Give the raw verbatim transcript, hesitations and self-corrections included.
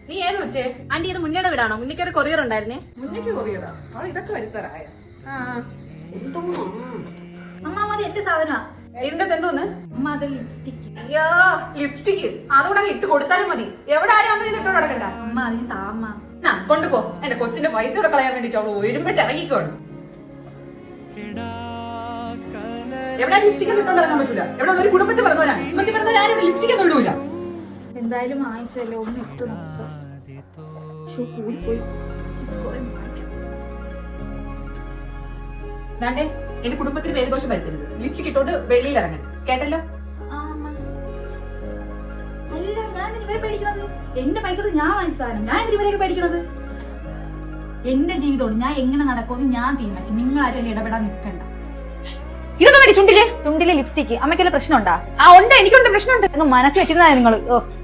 നീ ഏത് വെച്ചേ? ആന്റി ഇത് മുന്നേടെ വീടാണോ? മുന്നേക്ക് ഒരു കൊറിയർ ഉണ്ടായിരുന്നേ. മുന്നേക്ക് കൊറിയറാ? അവൾ ഇതൊക്കെ വരുത്തറായ. അമ്മ അത് എട്ട് സാധനമാ. ഇതിന്റെ എന്തോന്ന്? അമ്മ അത് ലിപ്സ്റ്റിക്. അയ്യോ ലിപ്സ്റ്റിക് അതുകൂടെ ഇട്ട് കൊടുത്താലും മതി. എവിടെ ആരും അങ്ങനെ ഇതിട്ട് നടക്കണ്ട. അമ്മ അതിന് താമ്മ. ആ കൊണ്ടുപോ. എന്റെ കൊച്ചിന്റെ പൈസ കൂടെ കളയാൻ വേണ്ടിട്ട് അവള് ഒരുമിട്ട് ഇറങ്ങിക്കോണം. എവിടെ ലിപ്സ്റ്റിക് ഇട്ടോണ്ട് ഇറങ്ങാൻ പറ്റൂല. എവിടെ ഒരു കുടുംബത്തിൽ പറഞ്ഞവരാണ്. കുടുംബത്തിൽ പറഞ്ഞവർ ആരും ലിപ്സ്റ്റിക് ഒന്നും ഇടൂല. എന്തായാലും വാങ്ങിച്ചല്ലേ ഒന്ന് ഇട്ടു കൂടിപ്പോയി. ദാണ്ടേ എന്റെ കുടുംബത്തിന് പേരുദോഷം വരുത്തരുത്. ലിപ്സ്റ്റിക് ഇട്ടോണ്ട് വെളിയിൽ ഇറങ്ങാൻ കേട്ടല്ലോ. അല്ല ഞാൻ ഇവരെ പേടിക്കണത്. എന്റെ പൈസ ഞാൻ വാങ്ങിച്ച സാധനം ഞാൻ ഇവരെയൊക്കെ പേടിക്കണത്. എന്റെ ജീവിതമാണ് ഞാൻ എങ്ങനെ നടക്കുമെന്ന് ഞാൻ തീരുമാനിക്കും. നിങ്ങൾ ആരും അതിൽ ഇടപെടാൻ നിൽക്കണ്ട. ഇതൊന്നും ചുണ്ടില് ചുണ്ടിലെ ലിപ്സ്റ്റിക് അമ്മയ്ക്കുള്ള പ്രശ്നമുണ്ടാ? ആ ഉണ്ട്, എനിക്കുണ്ട് പ്രശ്നമുണ്ട്. മനസ്സിൽ വെച്ചിരുന്നാ നിങ്ങൾ.